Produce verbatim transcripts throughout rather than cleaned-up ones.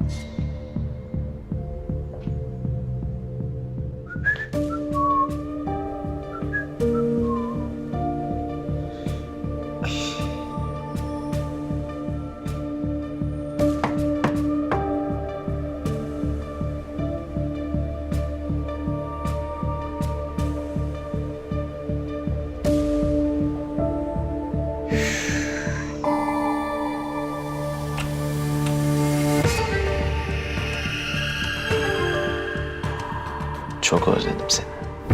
Çok özledim seni.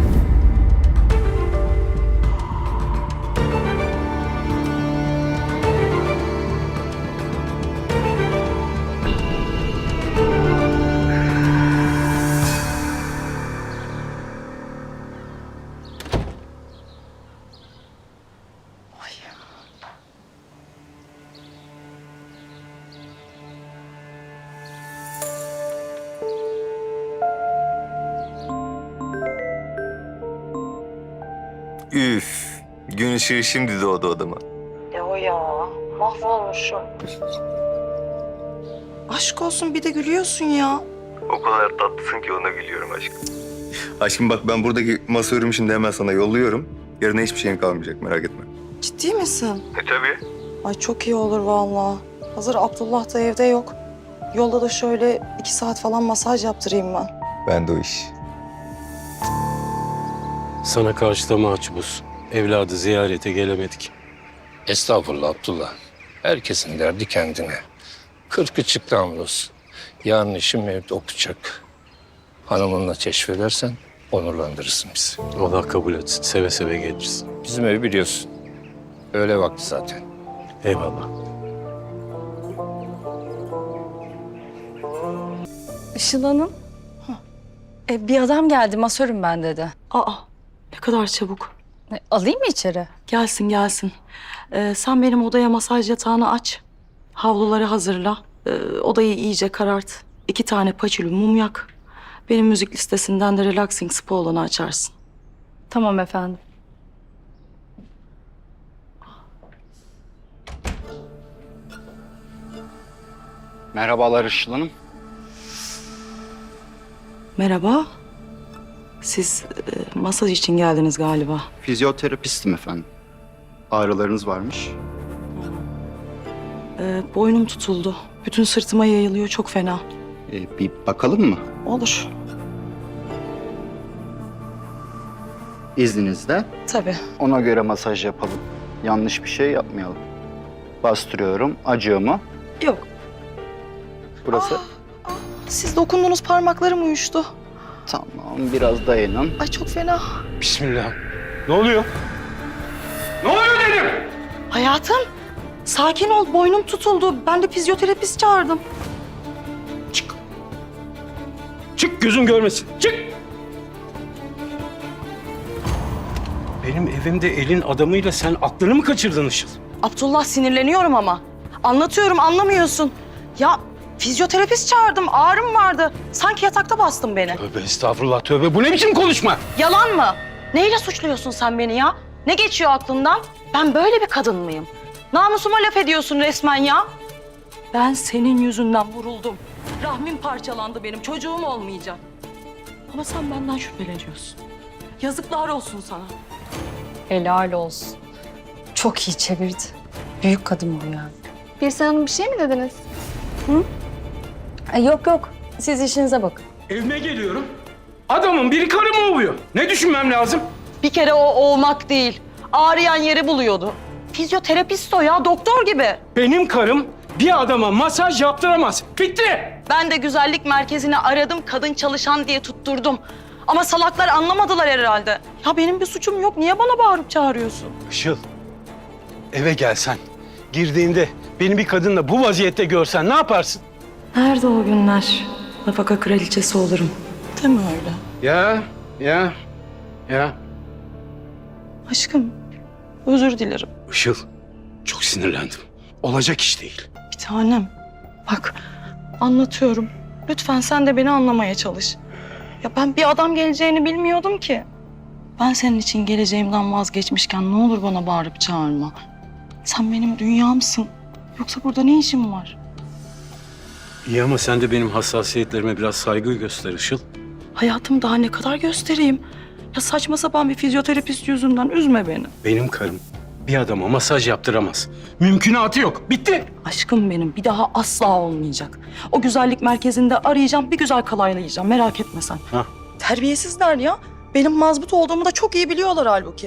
Üf, gün ışığı şimdi doğdu odama. Ya ya, mahvolmuşum. Aşk olsun bir de gülüyorsun ya. O kadar tatlısın ki ona gülüyorum aşkım. Aşkım bak ben buradaki masa örümü şimdi hemen sana yolluyorum. Yarına hiçbir şeyin kalmayacak merak etme. Ciddi misin? E tabii. Ay çok iyi olur vallahi. Hazır Abdullah da evde yok. Yolda da şöyle iki saat falan masaj yaptırayım ben. Ben de o iş. Sana karşı da mahcubuz. Evladı ziyarete gelemedik. Estağfurullah Abdullah. Herkesin derdi kendine. Kırkı çıktı hamdolsun. Yarın işim evde okuyacak. Hanımınla keşfedersen onurlandırırsın bizi. Allah kabul etsin. Seve seve geliriz. Bizim evi biliyorsun. Öğle vakti zaten. Eyvallah. Işıl Hanım. E, bir adam geldi, masörüm ben dedi. Aa, ne kadar çabuk. E, alayım mı içeri? Gelsin gelsin. Ee, sen benim odaya masaj yatağını aç. Havluları hazırla. Ee, odayı iyice karart. İki tane paçülü mum yak. Benim müzik listesinden de relaxing spa olanı açarsın. Tamam efendim. Merhabalar Işıl Hanım. Merhaba. Siz e, masaj için geldiniz galiba. Fizyoterapistim efendim. Ağrılarınız varmış. Ee, boynum tutuldu. Bütün sırtıma yayılıyor. Çok fena. Ee, bir bakalım mı? Olur. İzninizle. Tabii. Ona göre masaj yapalım. Yanlış bir şey yapmayalım. Bastırıyorum. Acıyor mu? Yok. Burası. Siz dokunduğunuz parmaklarım uyuştu. Tamam. Biraz dayanın. Ay çok fena. Bismillah. Ne oluyor? Ne oluyor dedim? Hayatım, sakin ol. Boynum tutuldu. Ben de fizyoterapist çağırdım. Çık. Çık gözüm görmesin. Çık. Benim evimde elin adamıyla sen aklını mı kaçırdın Işıl? Abdullah sinirleniyorum ama. Anlatıyorum anlamıyorsun. Ya fizyoterapist çağırdım. Ağrım vardı. Sanki yatakta bastın beni. Tövbe estağfurullah tövbe. Bu ne biçim konuşma? Yalan mı? Neyle suçluyorsun sen beni ya? Ne geçiyor aklından? Ben böyle bir kadın mıyım? Namusuma laf ediyorsun resmen ya. Ben senin yüzünden vuruldum. Rahmim parçalandı benim. Çocuğum olmayacak. Ama sen benden şüpheleniyorsun. Yazıklar olsun sana. Helal olsun. Çok iyi çevirdi. Büyük kadın bu yani. Birsen Hanım bir şey mi dediniz? E, yok yok. Siz işinize bakın. Evime geliyorum. Adamın biri karımı ovuyor. Ne düşünmem lazım? Bir kere o olmak değil. Ağrıyan yeri buluyordu. Fizyoterapist o ya, doktor gibi. Benim karım bir adama masaj yaptıramaz. Bitti. Ben de güzellik merkezini aradım, kadın çalışan diye tutturdum. Ama salaklar anlamadılar herhalde. Ya benim bir suçum yok, niye bana bağırıp çağırıyorsun? Işıl, eve gelsen, girdiğinde beni bir kadınla bu vaziyette görsen ne yaparsın? Nerede o günler? Nafaka kraliçesi olurum. Değil mi öyle? Ya, ya, ya. Aşkım, özür dilerim. Işıl, çok sinirlendim. Olacak iş değil. Bir tanem, bak anlatıyorum. Lütfen sen de beni anlamaya çalış. Ya ben bir adam geleceğini bilmiyordum ki. Ben senin için geleceğimden vazgeçmişken ne olur bana bağırıp çağırma. Sen benim dünyamsın. Yoksa burada ne işin var? İyi ama sen de benim hassasiyetlerime biraz saygı göster Işıl. Hayatım daha ne kadar göstereyim? Ya saçma sapan bir fizyoterapist yüzünden üzme beni. Benim karım bir adama masaj yaptıramaz. Mümkünatı yok. Bitti. Aşkım benim bir daha asla olmayacak. O güzellik merkezinde arayacağım, bir güzel kalaylayacağım. Merak etme sen. Ha. Terbiyesizler ya. Benim mazbut olduğumu da çok iyi biliyorlar halbuki.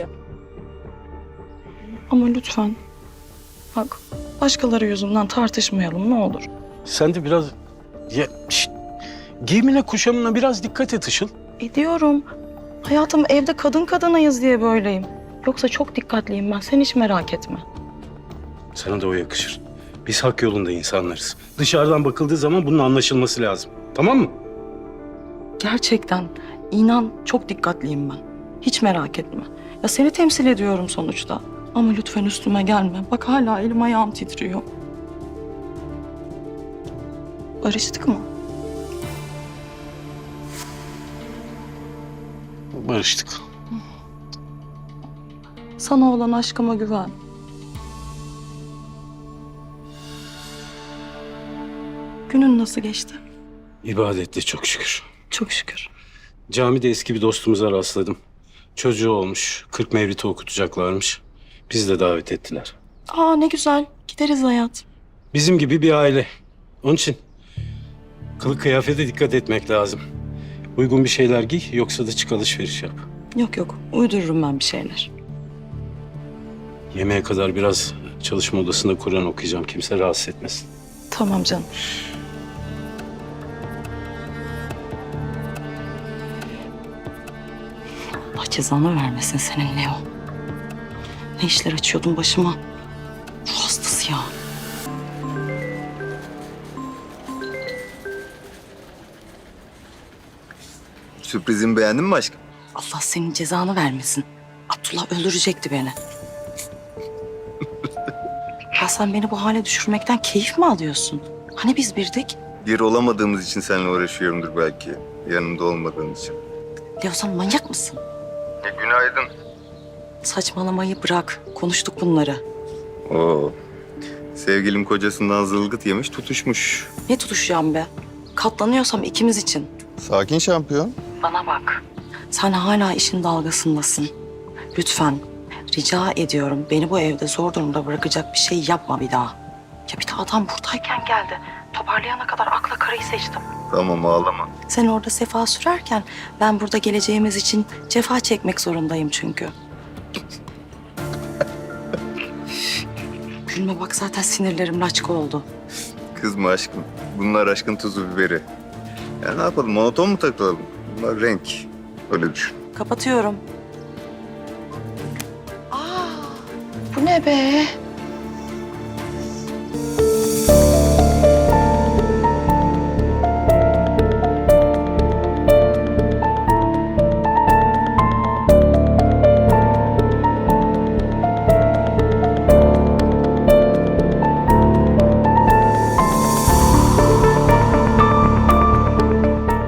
Ama lütfen. Bak, başkaları yüzünden tartışmayalım ne olur. Sen de biraz... Ya, şişt. Giyimine kuşamına biraz dikkat et Işıl. Ediyorum. Hayatım evde kadın kadınayız diye böyleyim. Yoksa çok dikkatliyim ben. Sen hiç merak etme. Sana da o yakışır. Biz hak yolunda insanlarız. Dışarıdan bakıldığı zaman bunun anlaşılması lazım. Tamam mı? Gerçekten inan çok dikkatliyim ben. Hiç merak etme. Ya seni temsil ediyorum sonuçta. Ama lütfen üstüme gelme. Bak hala elim ayağım titriyor. Barıştık mı? Barıştık. Sana olan aşkıma güven. Günün nasıl geçti? İbadetle çok şükür. Çok şükür. Camide eski bir dostumuza rastladım. Çocuğu olmuş. kırk mevliti okutacaklarmış. Biz de davet ettiler. Aa ne güzel. Gideriz hayat. Bizim gibi bir aile. Onun için kılık kıyafete dikkat etmek lazım. Uygun bir şeyler giy yoksa da çık alışveriş yap. Yok yok. Uydururum ben bir şeyler. Yemeğe kadar biraz çalışma odasında Kur'an okuyacağım. Kimse rahatsız etmesin. Tamam canım. Allah cezanı vermesin senin Leo. Ne işler açıyordun başıma? Ruh hastası ya. Sürprizimi beğendin mi aşkım? Allah senin cezanı vermesin. Abdullah öldürecekti beni. Ya sen beni bu hale düşürmekten keyif mi alıyorsun? Hani biz birdik? Bir olamadığımız için seninle uğraşıyorumdur belki. Yanımda olmadığın için. Leo sen manyak mısın? E, günaydın. Saçmalamayı bırak. Konuştuk bunları. Oo. Sevgilim kocasından zılgıt yemiş, tutuşmuş. Ne tutuşacağım be? Katlanıyorsam ikimiz için. Sakin şampiyon. Bana bak. Sen hala işin dalgasındasın. Lütfen rica ediyorum beni bu evde zor durumda bırakacak bir şey yapma bir daha. Ya bir de adam buradayken geldi. Toparlayana kadar akla karayı seçtim. Tamam ağlama. Sen orada sefa sürerken ben burada geleceğimiz için cefa çekmek zorundayım çünkü. Gülme bak zaten sinirlerim laçka oldu. Kızma aşkım. Bunlar aşkın tuzu biberi. Ya ne yapalım, monoton mu takılalım? Bunlar renk. Öyle düşün. Kapatıyorum. Aa, bu ne be?